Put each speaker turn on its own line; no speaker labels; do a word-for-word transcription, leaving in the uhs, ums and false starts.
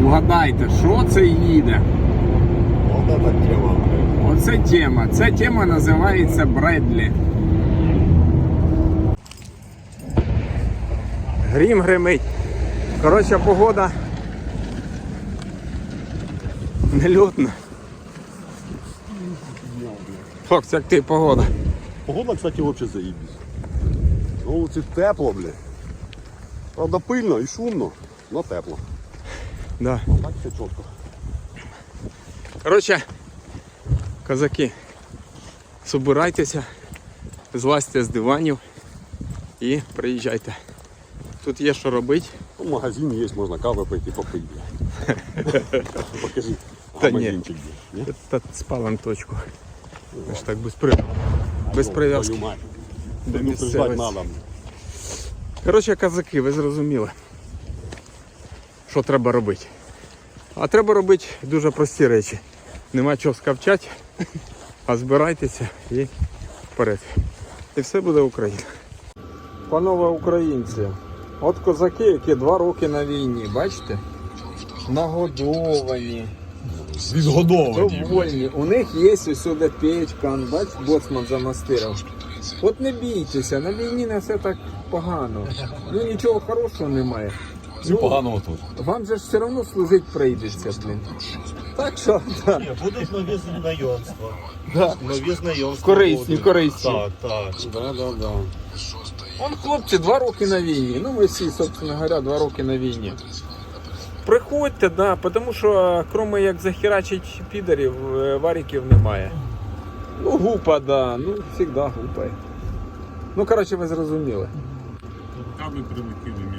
Вгадайте, що це їде?
Вот эта тема, блядь.
Оце тема. Ця тема називається Бредлі. Грім гримить. Коротше, погода нельотна. Фокс, як ти погода?
Погода, кстати, вообще заебись. На вулиці тепло, блядь. Правда, пильно і шумно, но тепло.
Да.
Так все чітко.
Коротше, козаки, собирайтеся, злазьте з диванів і приїжджайте. Тут є що робити.
Ну, магазин є, можна кави пити, попити. Покажи.
Та ні.
Магазинчик є. Ні?
Та спалим точку. Ми ж так без, при... без прив'язки
Твою мать.
до
Предупреждать
місцевості.
надо.
Коротше, козаки, ви зрозуміли, що треба робити. А треба робити дуже прості речі. Нема чого скавчати, а збирайтеся і вперед. І все буде Україна. Панове українці, от козаки, які два роки на війні, бачите? Нагодовані, довольні. У них є усюди печка, бач, боцман замастирав. От не бійтеся, на війні не все так погано. Ну нічого хорошого немає.
Всі поганого тут.
Вам же ж все одно служити прийдеться, блін. Так що, так.
Ні, будуть нові знайомства.
Да.
Нові знайомства.
Корисні,
будуть.
корисні.
Так, так.
Да, да, да.
Вон хлопці два роки на війні. Ну ми всі, собственно говоря, два роки на війні. Приходьте, да, тому що, крім як захерачить підарів, варіків немає. Ну гупа, да, ну завжди гупає. Ну коротше, ви зрозуміли.
Каби прилетіли.